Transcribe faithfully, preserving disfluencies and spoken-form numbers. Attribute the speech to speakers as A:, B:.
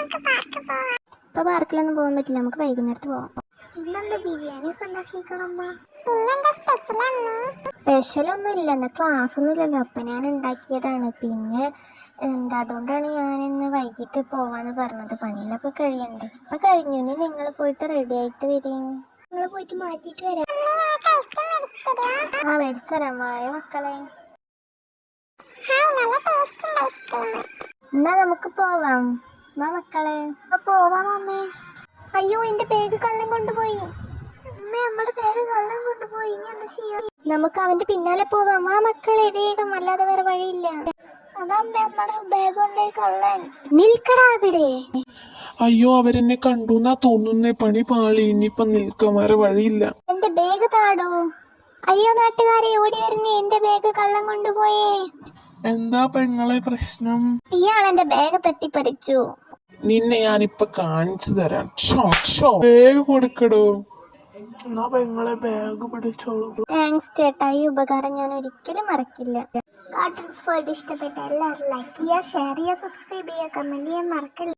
A: ഇപ്പൊ പാർക്കിലൊന്നും പോകാൻ പറ്റില്ല, നമുക്ക് വൈകുന്നേരത്ത് പോവാം. ഇന്നെന്താ ബിരിയാണി ഒക്കെ ഉണ്ടാക്കിക്കണം? സ്പെഷ്യൽ ഒന്നും ഇല്ല, എന്നാ ക്ലാസ് ഒന്നും ഇല്ലല്ലോ, അപ്പൊ ഞാൻ ഉണ്ടാക്കിയതാണ്. പിന്നെ എന്താ, അതുകൊണ്ടാണ് ഞാൻ ഇന്ന് വൈകിട്ട് പോവാന്ന് പറഞ്ഞത്. പണിയിലൊക്കെ കഴിയണ്ടേ? ഇപ്പൊ കഴിഞ്ഞു. ഇനി നിങ്ങൾ പോയിട്ട് റെഡി ആയിട്ട് വരും. നിങ്ങൾ പോയിട്ട് മാറ്റിട്ട് വരാം. ആ മേടിച്ചു തരാം, വായ മക്കളെ. എന്നാ നമുക്ക് പോവാം, വാ മക്കളെ. പോവാം അമ്മേ. അയ്യോ, എന്റെ ബാഗ് കള്ളൻ കൊണ്ടുപോയി. അമ്മേ, നമ്മുടെ ബാഗ് കള്ളൻ കൊണ്ടുപോയി. ഇനി എന്താ ചെയ്യാ? നമുക്ക് അവന്റെ പിന്നാലെ പോവാം, വാ മക്കളെ, വേഗം, അല്ലാതെ വേറെ വഴിയില്ല. അതമ്മേ, നമ്മുടെ ബാഗ് കൊണ്ടുപോയി കള്ളൻ. നിൽക്കടാ അവിടെ.
B: അയ്യോ, അവരെന്നെ കണ്ടു എന്നാ തോന്നുന്നേ. പണി പാളി. ഇനിയിപ്പൊ നിൽക്കാൻ വേറെ വഴിയില്ല.
A: എന്റെ ബാഗ് താടോ. അയ്യോ നാട്ടുകാരെ, ഓടി വരുന്നേ, എന്റെ ബാഗ് കള്ളൻ കൊണ്ടുപോയേ.
B: എന്താ പെങ്ങളെ പ്രശ്നം?
A: ഇയാൾ എന്റെ ബാഗ് തട്ടിപ്പറിച്ചു.
B: നിന്നെ ഞാനിപ്പൊ കാണിച്ചു തരാം. ബാഗ് കൊടുക്കടോ. എന്നാ പെങ്ങളെ ബാഗ് പിടിച്ചോളൂ.
A: താങ്ക്സ് ചേട്ടാ, ഈ ഉപകാരം ഞാൻ ഒരിക്കലും മറക്കില്ല. കാർട്ടൂൺസ് വേൾഡ് ഇഷ്ടപ്പെട്ട എല്ലാവരും ലൈക്ക് ചെയ്യുക, ഷെയർ ചെയ്യുക, സബ്സ്ക്രൈബ് ചെയ്യുക, കമന്റ് ചെയ്യാൻ മറക്കില്ല.